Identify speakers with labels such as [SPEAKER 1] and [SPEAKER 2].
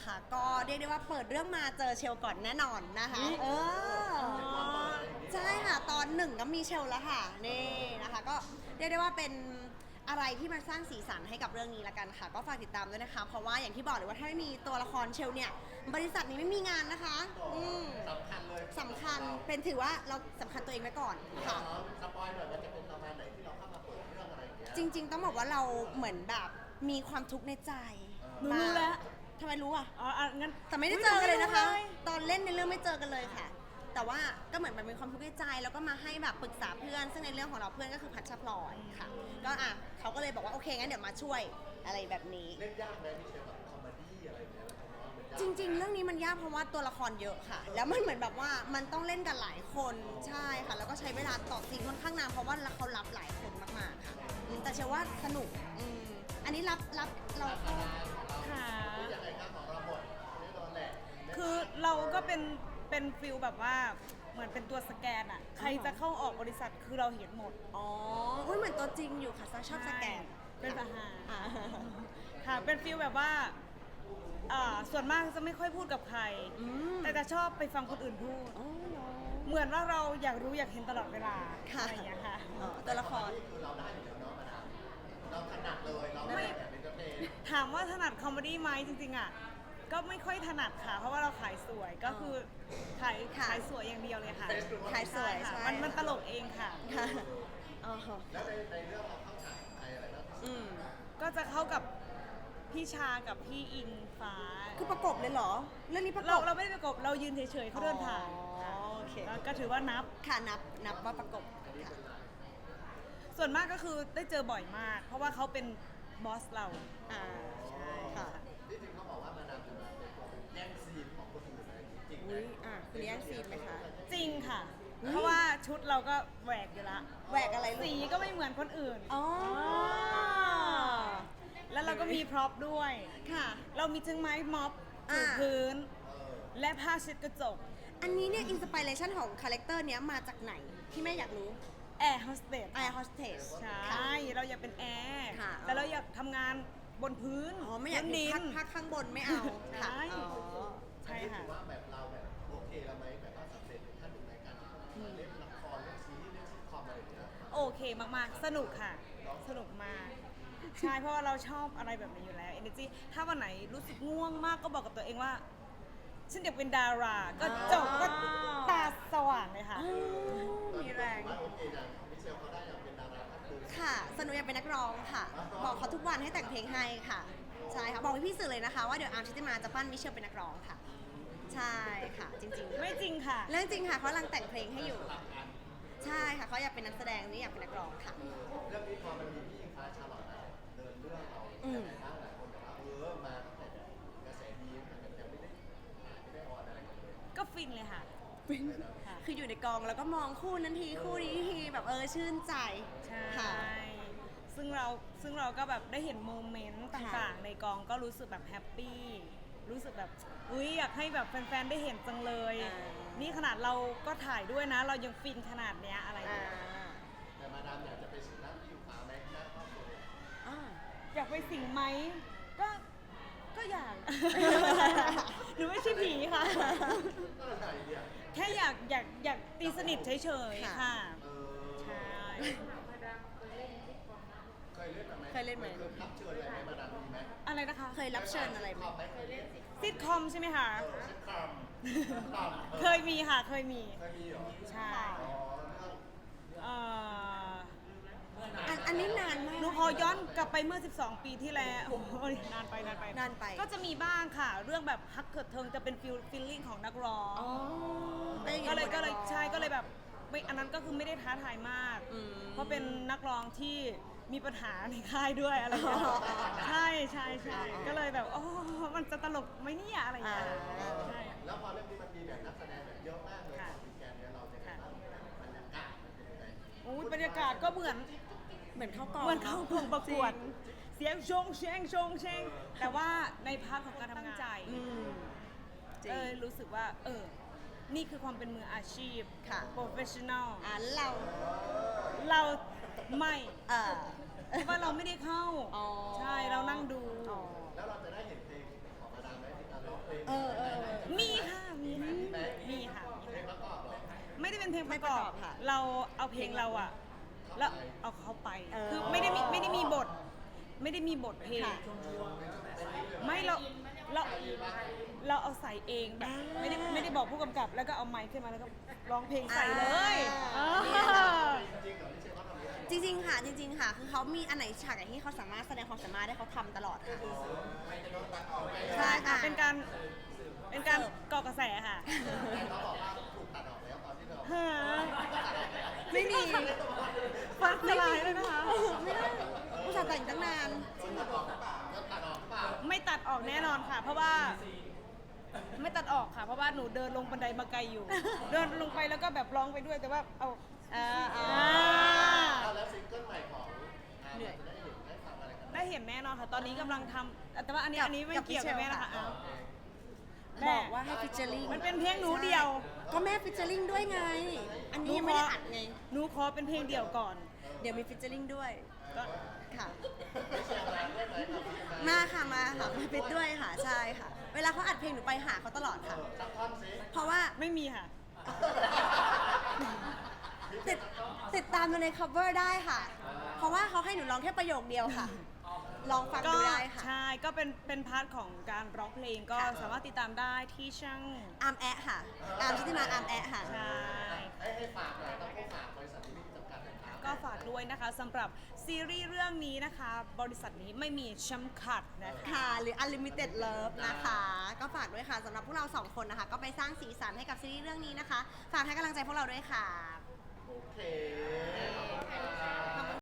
[SPEAKER 1] นะคะ ก็เรียกได้ว่าเปิดเรื่องมาเจอเชลก่อนแน่นอนนะคะใช่ค่ะตอนหนึ่งก็มีเชลแล้วค่ะนี่นะคะก็เรียกได้ว่าเป็นอะไรที่มันสร้างสีสันให้กับเรื่องนี้ละกันค่ะก็ฝากติดตามด้วยนะคะเพราะว่าอย่างที่บอกเลยว่าถ้าไม่มีตัวละครเชลเนี่ยบริษัทนี้ไม่มีงานนะคะ
[SPEAKER 2] สำคัญเลย
[SPEAKER 1] สำคัญเป็นถือว่าเราสำคัญตัวเองไว้ก่อนค่ะ
[SPEAKER 2] สปอยหน่อยมันจะเป็นประมาณไหนที่เราเข้ามาเปิดเรื่องอะไรอย่างเงี้ย
[SPEAKER 1] จริงๆต้องบอกว่าเราเหมือนแบบมีความทุกข์ในใจ
[SPEAKER 3] หนูรู้แล้ว
[SPEAKER 1] ทำไมรู้อ่ะ
[SPEAKER 3] อ๋องั้น
[SPEAKER 1] แต่ไม่ได้เจอกันเลยนะคะ
[SPEAKER 3] ไม่รู้เลย
[SPEAKER 1] ตอนเล่นในเรื่องไม่เจอกันเลยค่ะ แต่ว่าก็เหมือนมันมีความทุกข์ในใจแล้วก็มาให้แบบปรึกษาเพื่อน ซึ่งในเรื่องของเราเพื่อนก็คือพัชรพลอยค่ะ ก็เขาก็เลยบอกว่าโอเคงั้นเดี๋ยวมาช่วยอะไรแบบนี้
[SPEAKER 2] เล่นยากไหมพี่เชฟแบบคอมเมดี้อะไรอย่างเงี้ยผมว่ามันยาก
[SPEAKER 1] จริงๆ เรื่องนี้มันยากเพราะว่าตัวละครเยอะค่ะ แล้วมันเหมือนแบบว่ามันต้องเล่นกันหลายคนใช่ค่ะ แล้วก็ใช้เวลาต่อซีนค่อนข้างนานเพราะว่าเขารับหลายคนมากๆค่ะแต่เชื่อว่าสนุกอันนี้รับเราก็
[SPEAKER 3] ค่ะ
[SPEAKER 2] ยังไงครับของเราหมดแน่นอนแหละ
[SPEAKER 3] คือเราก็เป็นฟิลแบบว่าเหมือนเป็นตัวสแกนอะใครจะเข้าออกบริษัทคือเราเห็นหมด
[SPEAKER 1] อ๋อเหมือนตัวจริงอยู่ค่ะชอบสแกน
[SPEAKER 3] เป็นอาหาร
[SPEAKER 1] อ่า
[SPEAKER 3] ค่ะเป็นฟิลแบบว่าส่วนมากจะไม่ค่อยพูดกับใคร แต่จะชอบไปฟังคนอื่นพูด
[SPEAKER 1] อ๋อเหรอ
[SPEAKER 3] เหมือนว่าเราอยากรู้อยากเห็นตลอดเวลา
[SPEAKER 1] ค่ะ
[SPEAKER 3] อะไรอย่างเงี้ยค่ะ
[SPEAKER 1] ตัวละคร
[SPEAKER 2] นี่คือเราได้อยู่แล้วเนาะมาดามเราถนัดเลยเราได้แบบเป็นกระเทย
[SPEAKER 3] ถามว่าถนัดคอมเมดี้ไหมจริงๆอ่ะก็ไม่ค่อยถนัดค่ะ เพราะว่าเราขายสวยก็คือขาย
[SPEAKER 1] ค่ะ
[SPEAKER 3] ขายสวยอย่างเดียวเลยค่ะ
[SPEAKER 1] ขายสวย
[SPEAKER 3] ค่ะ
[SPEAKER 1] ใช่
[SPEAKER 3] มันตลกเองค่ะ
[SPEAKER 1] ค่ะอ๋อ
[SPEAKER 2] แล้วในเรื่องเราเข้าฉากใครอะไรบ้าง
[SPEAKER 3] ก็จะเข้ากับพี่ชากับพี่อิงฟ้า
[SPEAKER 1] คือประกบเลยเหรอ เรื่องนี้ประก
[SPEAKER 3] เรา
[SPEAKER 1] บ
[SPEAKER 3] เราไม่ได้ประกบเรายืนเฉยๆเขาเดินผ่าน
[SPEAKER 1] อ๋อโอเค
[SPEAKER 3] แล้วก็ถือว่านับ
[SPEAKER 1] ค่ะนับว่าประกบค่ะ
[SPEAKER 3] ส่วนมากก็คือได้เจอบ่อยมาก เพราะว่าเขาเป็นบอสเรา
[SPEAKER 1] ใช่ค่ะ
[SPEAKER 2] ที่จริงเขาบอกว่ามาดามจะมาเป็นแย่งซีนของคนอื่นอะไรจริงไหม
[SPEAKER 1] อุ้ยคุณแย่งซีนไหมคะ
[SPEAKER 3] จริงค่ะ เพราะว่าชุดเราก็แหวกอยู่ละ
[SPEAKER 1] แหวกอะไรลูก
[SPEAKER 3] สีก็ไม่เหมือนคนอื่น
[SPEAKER 1] อ๋อ
[SPEAKER 3] แล้วเราก็มีพร็อพด้วย
[SPEAKER 1] ค่ะ
[SPEAKER 3] เรามีทั้งไม้ม็อบถู
[SPEAKER 1] อ่า
[SPEAKER 3] พื้น และผ้าเช็ดกระจก
[SPEAKER 1] อันนี้เนี่ยอินสปิเรชันของคาแรคเตอร์เนี้ยมาจากไหนที่แม่อยากรู้
[SPEAKER 3] แอร์โฮสเตส
[SPEAKER 1] Air Hostess
[SPEAKER 3] ใช่ เราอยากเป็นแอร์
[SPEAKER 1] ค่ะ
[SPEAKER 3] แต่เราอยากทำงานบนพื้น
[SPEAKER 1] อ๋อไม่อยาก
[SPEAKER 3] บน
[SPEAKER 1] เห็
[SPEAKER 3] ดิ
[SPEAKER 1] น
[SPEAKER 3] น
[SPEAKER 1] พักข้างบนไม่เอา
[SPEAKER 3] ใช่
[SPEAKER 1] ค่ะอ๋อ
[SPEAKER 3] ใช่ค่ะ
[SPEAKER 2] ถือว่าแบบเราแบบโอเคแล้วไหมแบบว่าสำเร็จในขั้นหนึ่งในการที่เล่นละครเล่นซีรีส์เล่นซิทคอมอะไรอย่างเงี้ย
[SPEAKER 3] โอเคมากๆ สนุกค่ะ สนุกมาก ใช่ เพราะว่าเราชอบอะไรแบบนี้อยู่แล้ว energy ถ้าวันไหนรู้สึกง่วงมากก็บอกกับตัวเองว่า ฉันอยากเป็นดารา ก็จบก็ตาสว่างเลยค่ะ
[SPEAKER 1] มีแรง
[SPEAKER 2] ว่าโอเคอย่างมิเชลเขาได้อยากเป็นดาราท่านหนึ่ง
[SPEAKER 1] ค่ะสนุกอยากเป็นนักร้องค่ะ บอกเขาทุกวันให้แต่งเพลงให้ค่ะ ใช่ค่ะ บอกพี่ๆสื่อเลยนะคะว่าเดี๋ยวอาร์มชิติมาจะปั้นมิเชลเป็นนักร้องค่ะ ใช่ค่ะ จริงๆ
[SPEAKER 3] ไม่จริงค่ะ
[SPEAKER 1] เรื่องจริงค่ะเขากำลังแต่งเพลงให้อยู่ ใช่ค่ะเขาอยากเป็นนักแสดงนี่อยากเป็นนักร้องค่ะ
[SPEAKER 2] เรื่องนี้พอมันมีพี่อิงฟ้าชาลอตนะเดินเรื่องเราแต่ไหนบ้างหลายคนบอกว่ามาตั้งแต่แบบกระแสดีแต่แบบยังไม่ได้ออนอะไรกันเลย
[SPEAKER 3] ก็ฟินเลยค่ะ ค่ะ
[SPEAKER 1] คืออยู่ในกองแล้วก็มองคู่นั้นทีคู่นี้ทีแบบชื่นใจ
[SPEAKER 3] ใช่
[SPEAKER 1] ค่ะ
[SPEAKER 3] ซึ่งเราก็แบบได้เห็นโมเมนต์ต่างๆ ในกองก็รู้สึกแบบแฮปปี้ รู้สึกแบบอุ้ยอยากให้แบบแฟนๆ ได้เห็นจังเลย นี่ขนาดเราก็ถ่ายด้วยนะ เรายังฟินขนาดเนี้ยอะไรอย่าง
[SPEAKER 1] อ่า
[SPEAKER 3] เงี้ย
[SPEAKER 2] แต่มาดามอยากจะไปสู่ร่างพี่อิงฟ้าไหมหน้าครอบครัว
[SPEAKER 1] อ่า
[SPEAKER 3] อยากไปสิงไหมก็อยาก หนูไม่ใช่ผีค่ะ
[SPEAKER 2] ก็อะไรเนี่ย
[SPEAKER 3] แค่อยากตีสนิทเฉยๆ ค่ะ
[SPEAKER 2] เออ
[SPEAKER 3] ใช่
[SPEAKER 2] เคยเล่นแบบไหม
[SPEAKER 1] เคยเล่นไหม
[SPEAKER 2] เคยรับเชิญอะไรไหมมาดามมีไหม
[SPEAKER 3] อะไรนะคะ
[SPEAKER 1] เคยรับเชิญอะไรไหม
[SPEAKER 2] เคยเล่นสิ
[SPEAKER 3] ซิทคอมใช่ไหมคะ
[SPEAKER 2] ซิทคอม
[SPEAKER 3] เคยมีค่ะ เคยมี
[SPEAKER 2] เคยมีเหรอ
[SPEAKER 3] ใช่
[SPEAKER 2] อ๋อเรื่อง
[SPEAKER 3] เอ่อ
[SPEAKER 1] อันนี้นานมาก
[SPEAKER 3] หนูขอย้อนกลับไปเมื่อ 12 ปีที่แล้วโอ้ยนานไป
[SPEAKER 1] นานไป
[SPEAKER 3] ก็จะมีบ้างค่ะ เรื่องแบบฮักเกิดเทิงจะเป็นฟีลลิ่งของนักร้อง
[SPEAKER 1] อ๋อ
[SPEAKER 3] ก็เลยใช่ก็เลยแบบไม่อันนั้นก็คือไม่ได้ท้าทายมาก เพราะเป็นนักร้องที่มีปัญหาในค่ายด้วยอะไรอย่างเงี้ยใช่ก็เลยแบบโอ้มันจะตลกไหมเนี่ยอะไรอย่างเงี้ยใช่
[SPEAKER 2] แล้วพอเรื่องนี้มันมีแบบนักแสดงแบบเยอะมากเลย
[SPEAKER 3] ค่ะ
[SPEAKER 2] ของวีแกนเนี่ยเราจะเห็นว่าบรรยากาศมันเป็นยังไง
[SPEAKER 3] โอ้ยบรรยากาศก็เหมือน
[SPEAKER 1] เหมือนเข้ากอง
[SPEAKER 3] เหมือนเข้ากองประกวด เสียงชงเชงแต่ว่าในพาร์ทของการทำงานใจ
[SPEAKER 1] จริง
[SPEAKER 3] รู้สึกว่านี่คือความเป็นมืออาชีพ
[SPEAKER 1] ค่ะ
[SPEAKER 3] professional
[SPEAKER 1] เรา
[SPEAKER 3] เราไม่
[SPEAKER 1] เออ
[SPEAKER 3] เพราะว่าเราไม่ได้เข้า
[SPEAKER 1] อ๋อ
[SPEAKER 3] ใช่เรานั่งดู
[SPEAKER 1] อ๋อ
[SPEAKER 2] แล้วเราจะได้เห็นเพลงของมาดามไหมที่การร้อง
[SPEAKER 3] ประกอบ
[SPEAKER 1] ค่ะ
[SPEAKER 3] เราเอาเพลงเราอะแล้วเอาเขาไป คือไม่ได้มีบท ไม่ได้มีบทเพลง
[SPEAKER 1] ค่ะ
[SPEAKER 3] ไม่เราเอาใส่เองแบบไม่ได้บอกผู้กำกับ แล้วก็เอาไมค์ขึ้นมาแล้วก็ร้องเพลงใส่เลย
[SPEAKER 1] เนี่ย
[SPEAKER 3] อ่า
[SPEAKER 1] จริงๆค่ะจริงๆค่ะ คือเขามีอันไหนฉากไหนที่เขาสามารถแสดงความสามารถได้เขาทำตลอดค่ะ
[SPEAKER 3] ใช่ค่ะเป็นการก่อกระแสค่ะ
[SPEAKER 2] เขาบอกว่าถูกตัดออกแล้วตอนที่เรา
[SPEAKER 3] ฮะ
[SPEAKER 1] ไม่มี
[SPEAKER 3] ฟังสลายเลยนะคะ
[SPEAKER 1] ไม่ได้อุตส่าห์แต่งตั้งนาน
[SPEAKER 2] ตัดออกหรือเปล่าแล้วตัดออกหรือเปล่า
[SPEAKER 3] ไม่ตัดออกแน่นอนค่ะ เพราะว่าไม่ตัดออกค่ะ เพราะว่าหนูเดินลงบันไดมาไกลอยู่ เดินลงไปแล้วก็แบบร้องไปด้วยแต่ว่าเอา
[SPEAKER 2] แล้วซิงเกิลใหม่ของ
[SPEAKER 1] เหนื่อย
[SPEAKER 2] จะได้เห็นได้ฟังอะไรกัน
[SPEAKER 3] ได้เห็นแน่นอนค่ะ ตอนนี้กำลังทำแต่ว่าอันนี้ไม่เกี่ยวกับแม่นะคะอ้าว
[SPEAKER 1] บอกว่าให้ฟิชเจอริง
[SPEAKER 3] มันเป็นเพลงหนูเดียว
[SPEAKER 1] ก็แม่ฟิชเจอริงด้วยไง อันนี้ยังไม่ได้อัดไง
[SPEAKER 3] หนูขอเป็นเพลงเดี่ยวก่อน
[SPEAKER 1] เดี๋ยวมีฟิชเจอริงด้วย
[SPEAKER 3] ก็
[SPEAKER 1] ค่ะ มาค่ะมาฟิตด้วยค่ะ ใช่ค่ะ เวลาเขาอัดเพลงหนูไปหาเขาตลอดค่ะ
[SPEAKER 2] สักท่อนสิ
[SPEAKER 1] เพราะว่า
[SPEAKER 3] ไม่มีค่ะ
[SPEAKER 1] ติดตามดูใน cover ได้ค่ะ เพราะว่าเขาให้หนูร้องแค่ประโยคเดียวค่ะ ลองฟัง
[SPEAKER 3] ก็
[SPEAKER 1] ดูได้ค่ะ
[SPEAKER 3] ใช่ก็เป็นพาร์ทของการร้องเพลงก็
[SPEAKER 1] ค่ะ
[SPEAKER 3] สามารถติดตามได้ที่ช่าง
[SPEAKER 1] อาร์มแอะค่ะ อาร์มชุติมาอาร์มแอะค่ะ
[SPEAKER 3] ใช่
[SPEAKER 2] ให้ฝากหน่อยต้องผู้ฝากบริษัทที่จำกัดนะครับ
[SPEAKER 3] ก็ฝากด้วยนะคะสำหรับซีรีส์เรื่องนี้นะคะ บริษัทนี้ไม่มีจำกัดนะคะ
[SPEAKER 1] ค่ะ หรือ Unlimited Love นะคะ ก็ฝากด้วยค่ะสำหรับพวกเราสองคนนะคะ ก็ไปสร้างสีสันให้กับซีรีส์เรื่องนี้นะคะ ฝากให้กำลังใจพวกเราด้วยค่ะ
[SPEAKER 2] โอเคขอบคุณ